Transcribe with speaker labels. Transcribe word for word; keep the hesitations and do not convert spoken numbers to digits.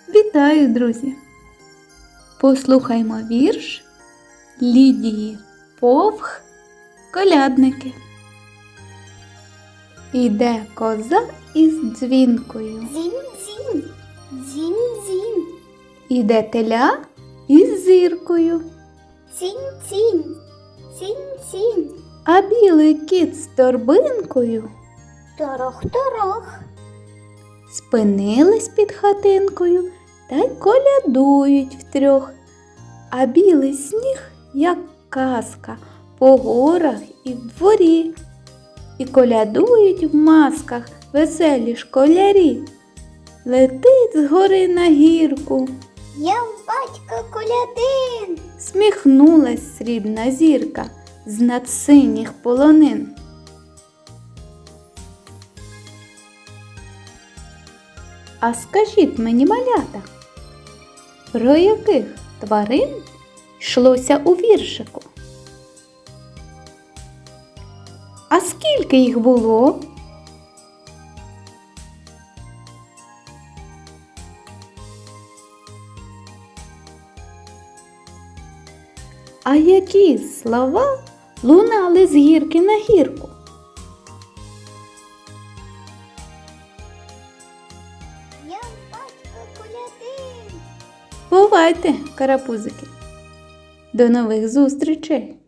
Speaker 1: Вітаю, друзі! Послухаймо вірш Лідії Повх «Колядники». Іде коза із дзвінкою,
Speaker 2: Дзінь-дзінь, дзінь-дзінь,
Speaker 1: іде теля із зіркою,
Speaker 2: цінь-цінь, цінь-цінь,
Speaker 1: а білий кіт з торбинкою
Speaker 2: торох-торох,
Speaker 1: спинились під хатинкою та й колядують втрьох. А білий сніг, як казка, по горах і в дворі. І колядують в масках веселі школярі. Летить з гори на гірку,
Speaker 2: я батько колядин.
Speaker 1: сміхнулась срібна зірка з над синіх полонин. А скажіть мені, малята, про яких тварин йшлося у віршику? А скільки їх було? А які слова лунали з гірки на гірку?
Speaker 2: Я батько колядин.
Speaker 1: Бувайте, карапузики! До нових зустрічей!